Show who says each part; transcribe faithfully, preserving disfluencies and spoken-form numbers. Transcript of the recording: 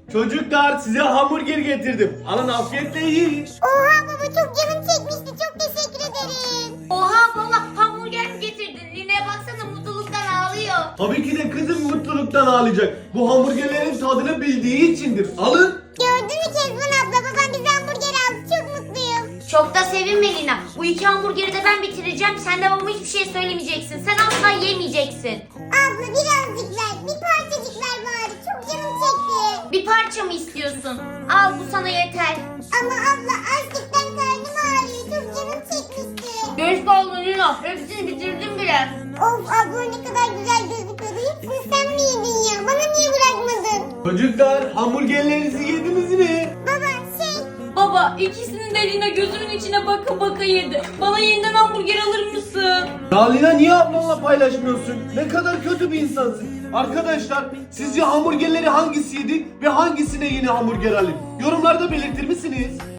Speaker 1: Çocuklar size hamburger getirdim. Alın afiyetle yiyin.
Speaker 2: Oha baba çok canım çekmişti. Çok teşekkür ederim.
Speaker 3: Oha baba hamburger mi getirdin? Lina'ya baksana mutluluktan ağlıyor.
Speaker 1: Tabii ki de kızım mutluluktan ağlayacak. Bu hamburgerlerin tadını bildiği içindir. Alın.
Speaker 2: Gördün mü Kezban abla? Babam bize hamburger aldı. Çok mutluyum.
Speaker 3: Çok da sevinme Lina. Bu iki hamburgeri de ben bitireceğim. Sen de babama hiçbir şey söylemeyeceksin. Sen asla yemeyeceksin.
Speaker 2: Abla birazcık ver. Bir parçacık ver bari. Çok canım çekti.
Speaker 3: Bir parça mı istiyorsun? Al bu sana yeter.
Speaker 2: Ama abla açlıktan karnım ağrıyor. Çok canım çekmişti.
Speaker 3: Geç kaldın Lina. Hepsini bitirdim bile.
Speaker 2: Of abla ne kadar güzel gözüküyordu. Hepsini sen mi yedin ya? Bana niye bırakmadın?
Speaker 1: Çocuklar hamburgerlerinizi yediniz mi?
Speaker 2: Baba şey...
Speaker 3: Baba ikisini de Lina gözümün içine baka baka yedi. Bana yeniden hamburger alır mısın?
Speaker 1: Ya Lina niye ablanla paylaşmıyorsun? Ne kadar kötü bir insansın. Arkadaşlar sizce hamburgerleri hangisiydi ve hangisine yeni hamburger alayım? Yorumlarda belirtir misiniz?